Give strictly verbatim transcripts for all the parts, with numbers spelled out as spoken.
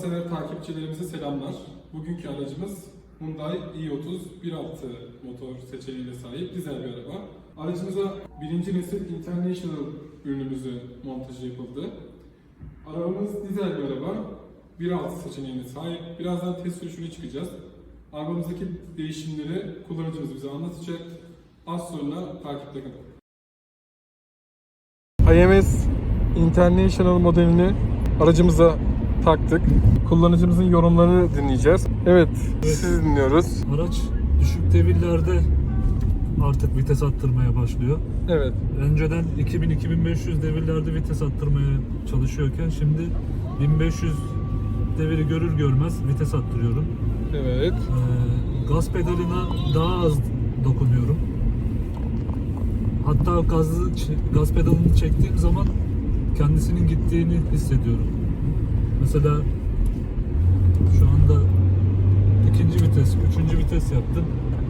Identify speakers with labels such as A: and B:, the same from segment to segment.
A: sever takipçilerimize selamlar. Bugünkü aracımız Hyundai i otuz bir altı motor seçeneğine sahip dizel bir araba. Aracımıza birinci nesil International ürünümüzü montajı yapıldı. Arabamız dizel bir araba, bir altı seçeneğine sahip. Birazdan test sürüşüne çıkacağız. Arabamızdaki değişimleri kullanıcımız bize anlatacak. Az sonra takipte kalın. I M S International modelini aracımıza taktık. Kullanıcımızın yorumlarını dinleyeceğiz. Evet,
B: Evet.
A: sizi dinliyoruz.
B: Araç düşük devirlerde artık vites attırmaya başlıyor.
A: Evet.
B: Önceden iki bin iki bin beş yüz devirlerde vites attırmaya çalışıyorken şimdi bin beş yüz deviri görür görmez vites attırıyorum.
A: Evet.
B: Ee, gaz pedalına daha az dokunuyorum. Hatta gazı, gaz pedalını çektiğim zaman kendisinin gittiğini hissediyorum. Mesela şu anda ikinci vites, üçüncü vites yaptım.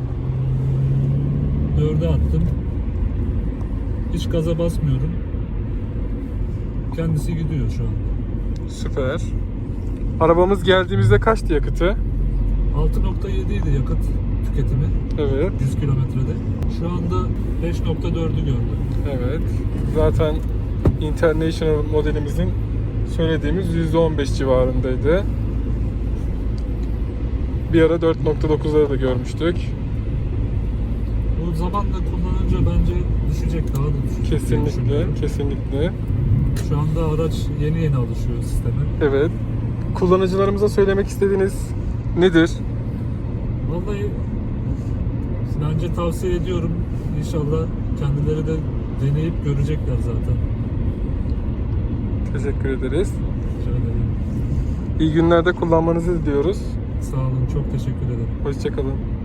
B: Dörde attım. Hiç gaza basmıyorum. Kendisi gidiyor şu anda.
A: Süper. Arabamız geldiğimizde kaçtı yakıtı?
B: altı nokta yedi idi yakıt tüketimi
A: Evet.
B: yüz kilometrede. Şu anda beş nokta dördü gördüm.
A: Evet. Zaten International modelimizin söylediğimiz yüzde on beş civarındaydı. Bir ara dört nokta dokuzları da görmüştük.
B: Bu zamanla kullanınca bence düşecek, daha da düşecek. diye
A: Kesinlikle,
B: düşünüyorum.
A: kesinlikle.
B: Şu anda araç yeni yeni alışıyor sisteme.
A: Evet. Kullanıcılarımıza söylemek istediğiniz nedir?
B: Vallahi bence tavsiye ediyorum. İnşallah kendileri de deneyip görecekler zaten.
A: Teşekkür ederiz.
B: Rica ederim.
A: İyi günlerde kullanmanızı diliyoruz.
B: Sağ olun, çok teşekkür ederim.
A: Hoşça kalın.